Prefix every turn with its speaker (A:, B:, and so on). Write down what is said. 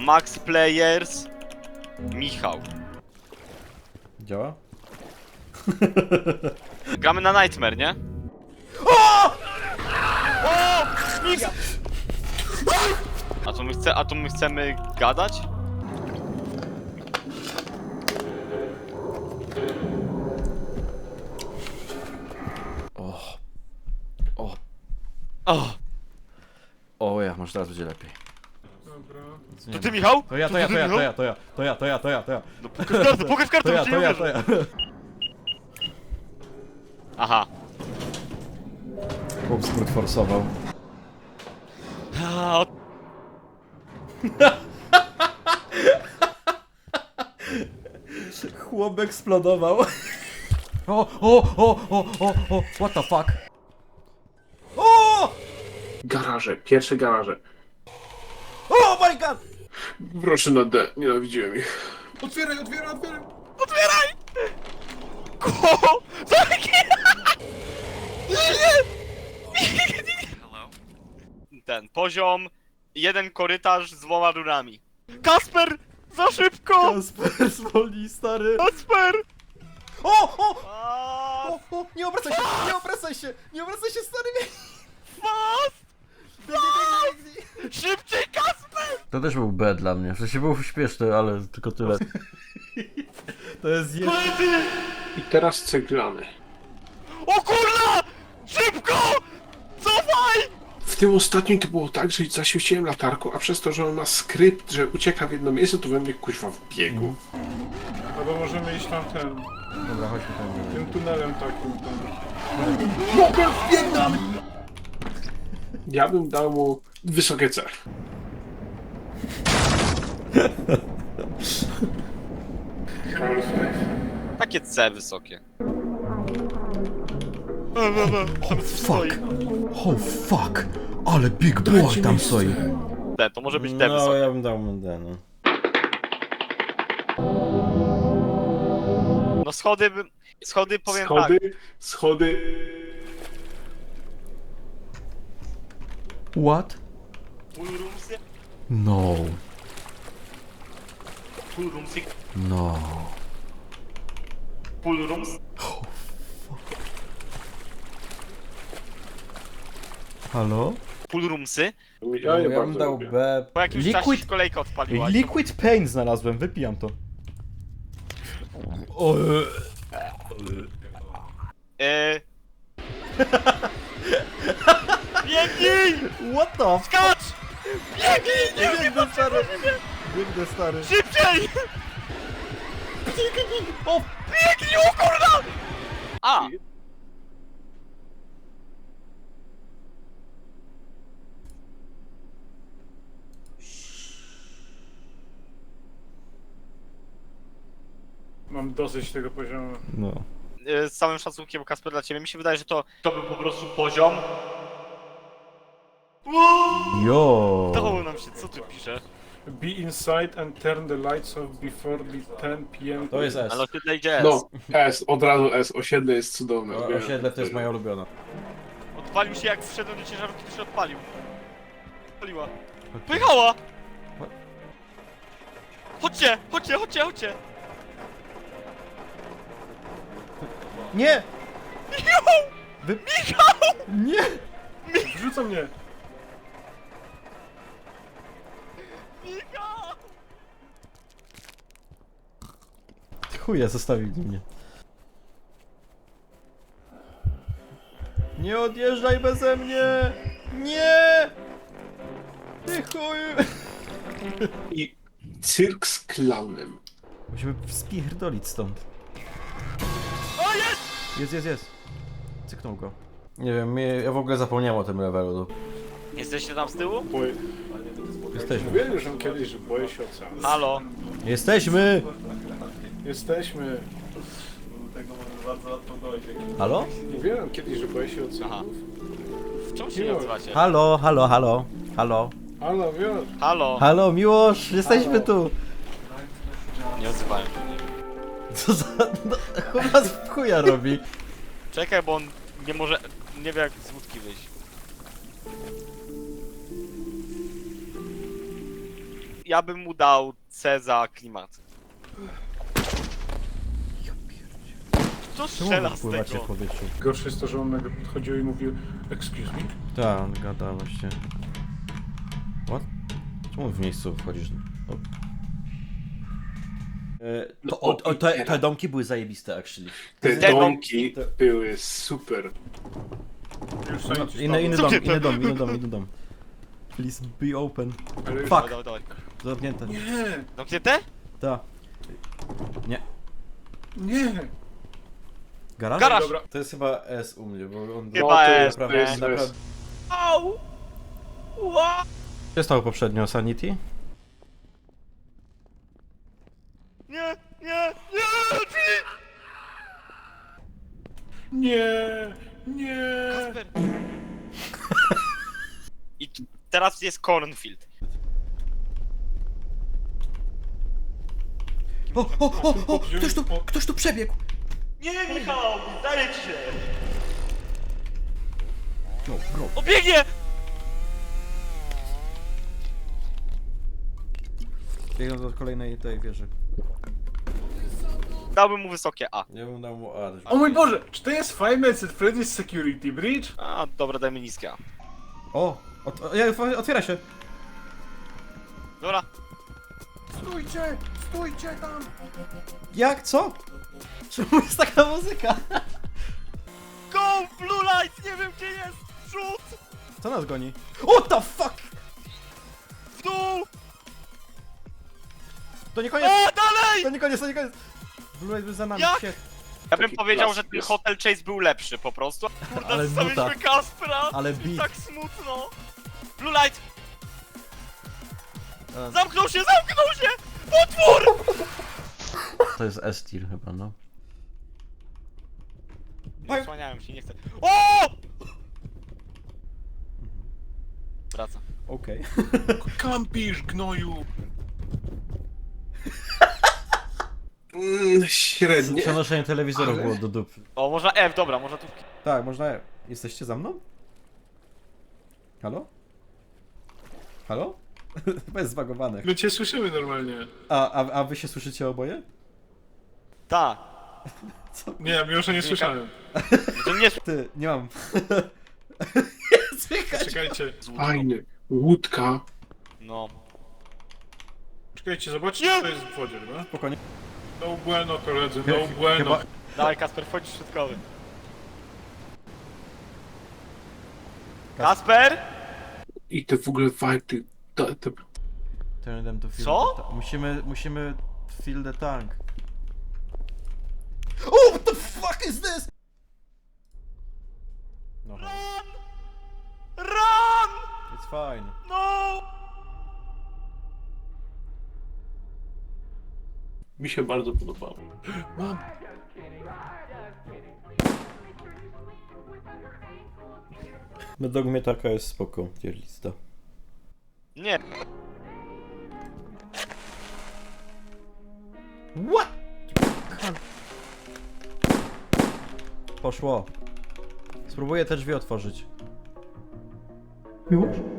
A: Max Players Michał.
B: Działa?
A: Gramy na Nightmare, nie? O! Nic! A tu my chcemy gadać? O!
B: O ja, może teraz będzie lepiej.
C: Dobra.
A: To ty, Michał?
B: To ja.
A: No pokaż kartę,
B: To ja.
A: Aha.
B: Chłop skrót forsował.
A: A,
B: Chłop eksplodował. What the fuck? O!
C: Garaże, pierwsze garaże.
B: Oh my god!
C: Proszę na D, nienawidziłem ich.
B: Otwieraj!
A: Otwieraj! Ko! Ten poziom, jeden korytarz z dwoma rurami. Kasper! Za szybko!
B: Kasper zwolnij, stary.
A: Kasper!
B: O! Nie obracaj się, stary!
A: Fast! Szybciej, Kasper!
B: To też był B dla mnie, w sensie był śpieszny, ale tylko tyle. To jest
C: I teraz ceglany.
A: O kurwa! Szybko! Cofaj!
C: W tym ostatnim to było tak, że zaświeciłem latarką, a przez to, że on ma skrypt, że ucieka w jedno miejsce, to we mnie kuźwa wbiegł.
D: Albo możemy iść tam
B: Dobra, chodźmy tam.
D: tym tunelem takim tam.
C: Ja bym dał mu wysokie C.
A: Takie C wysokie.
B: Fuck! Oh fuck! Ale big boy tam stoi.
A: D, to może być D
B: No,
A: wysokie.
B: ja bym dał mu D, no.
A: No schody powiem tak.
C: Schody.
B: What?
A: Poolroomsy,
B: No.
A: poolroomsy,
B: No.
A: poolrooms.
B: Halo?
A: Poolroomsy.
C: Ja je
B: Ja bym
C: bardzo
B: dał
C: lubię.
B: B.
A: Po jakimś czasie się kolejka odpaliła.
B: Liquid Pain znalazłem, wypijam to. O,
A: Biegnij!
B: What the f...
A: Skacz! Biegnij! Nie
B: Biegnę, stary! Biegnę, stary.
A: Szybciej!
B: O!
A: Biegnij, o kurwa! A!
D: Mam dosyć tego poziomu.
B: No.
A: Z całym szacunkiem, Kasper, dla ciebie, mi się wydaje, że to był po prostu poziom.
B: Jo.
A: Dało nam się, co tu pisze?
D: Be inside and turn the lights off before the 10 p.m.
B: To jest S.
A: Ale osiedle idzie S.
C: No, S, od razu S, osiedle jest cudowne.
B: O, osiedle to jest moja ulubiona.
A: Odpalił się, jak wszedłem do ciężarówki, to się odpalił. Odpaliła. Pojechała! Chodźcie, chodźcie, chodźcie, chodźcie!
B: Nie!
A: Michał!
B: Wy...
A: Michał!
B: Nie!
D: Wrzuca mnie!
A: Michał!
B: Chuja, zostawili mnie. Nie odjeżdżaj beze mnie! Nie! Ty chuj!
C: I cyrk z klaunem.
B: Musimy spierdolić stąd.
A: O, jest!
B: Jest. Cyknął go. Nie wiem, ja w ogóle zapomniałem o tym levelu.
A: Jesteście tam z tyłu?
D: Boję.
B: Jesteśmy.
D: Mówiłem już kiedyś, że boję się oceanu.
A: Halo?
B: Jesteśmy!
D: Jesteśmy.
B: Halo?
D: Mówiłem kiedyś, że boję się
A: Aha.
D: oceanów.
A: W czym się nazywacie?
B: Halo.
D: Halo, wiesz?
A: Halo?
B: Halo, Miłosz, jesteśmy
D: Halo.
B: tu!
A: Nie odzywałem się.
B: Co za... No, chyba z chuja robi.
A: Czekaj, bo on nie może... nie wie jak z łódki wyjść. ja bym mu dał C za klimat. Co
B: Czemu
A: strzela
B: wy
A: z
B: pływacie w
A: tego?
B: powietrzu?
D: Gorsze jest to, że on nagle podchodził i mówił excuse me?
B: Tak, on gada właśnie. What? Czemu w miejscu wchodzisz? O. Te domki były zajebiste, actually.
C: Te
A: Te
C: domki były super.
D: Już
B: No,
D: scientist
B: inny
D: padł.
B: dom. Please be open.
D: Ale już-
B: Fuck.
A: Dawaj.
B: Zamknięte.
D: Nie,
A: Zamknięte?
B: Ta. Nie.
D: nie.
B: Garaż?
A: Garaż!
D: Dobra.
B: To jest chyba S u mnie, bo on...
A: Chyba
C: to
A: jest,
C: to jest, to
B: naprawdę...
C: jest.
A: Au! Ła!
B: Co stało poprzednio? Sanity?
A: Nie, nie, nie!
D: Nie, nie.
A: Kasper! I teraz jest cornfield.
B: O! Ktoś tu przebiegł!
A: Nie, Michał! Daję ci się!
B: Bro.
A: O, biegnie!
B: Biegną do kolejnej tej wieży.
A: Dałbym mu wysokie A.
B: Ja bym dał mu A.
D: O mój Boże, czy to jest Five Nights at Freddy's Security Bridge?
A: A, dobra, dajmy niskie A.
B: O! Otwiera się!
A: Dobra.
D: Stójcie tam!
B: Jak? Co? Czemu jest taka muzyka?
A: Go! Blue light! Nie wiem gdzie jest! Rzut!
B: Co nas goni? What the fuck?
A: W dół!
B: To nie koniec!
A: O, dalej!
B: To nie koniec! Blue Light za nami,
A: Jak?
B: shit.
A: Ja bym
C: Taki
A: powiedział, że
C: klasyk
A: ten
C: jest.
A: Hotel Chase był lepszy po prostu. Kurde,
B: Ale
A: zostawiliśmy
B: nuta.
A: Kaspera!
B: Ale
A: I
B: beat.
A: tak smutno! Blue light!
B: A.
A: Zamknął się! Potwór!
B: To jest S-tier chyba, no.
A: Nie słaniałem się, nie chcę. O! Wraca.
B: Okej.
D: Kampisz, gnoju!
C: Średnie.
B: Przenoszenie telewizorów
C: Ale-
B: było do dupy.
A: O, można F, dobra, można tu...
B: Tak, można... Jesteście za mną? Halo? Halo? Chyba jest zbagowane.
D: My cię słyszymy normalnie.
B: A wy się słyszycie oboje?
A: Ta.
D: Nie, mimo że nie słyszałem.
A: To nie...
B: Ty, nie mam. Słychać!
D: Czekajcie,
C: Fajny. Łódka.
A: No.
D: czekajcie, zobaczcie co jest w wodzie, no?
B: Spokojnie.
D: No bueno, koledzy, no bueno.
B: Chyba...
A: Dawaj Kasper, wchodzisz środkowy. Kasper?
C: I te w ogóle fajty.
B: Turn them to fill
A: Co?
B: the musimy fill the tank. Oh, what the fuck is this? No,
A: Run! Run!
B: it's fine.
A: No!
C: Mi się bardzo podobało.
D: Mam.
B: Według mnie taka jest spoko, tier lista.
A: Nie.
B: What? Poszło. Spróbuję te drzwi otworzyć.
C: Już?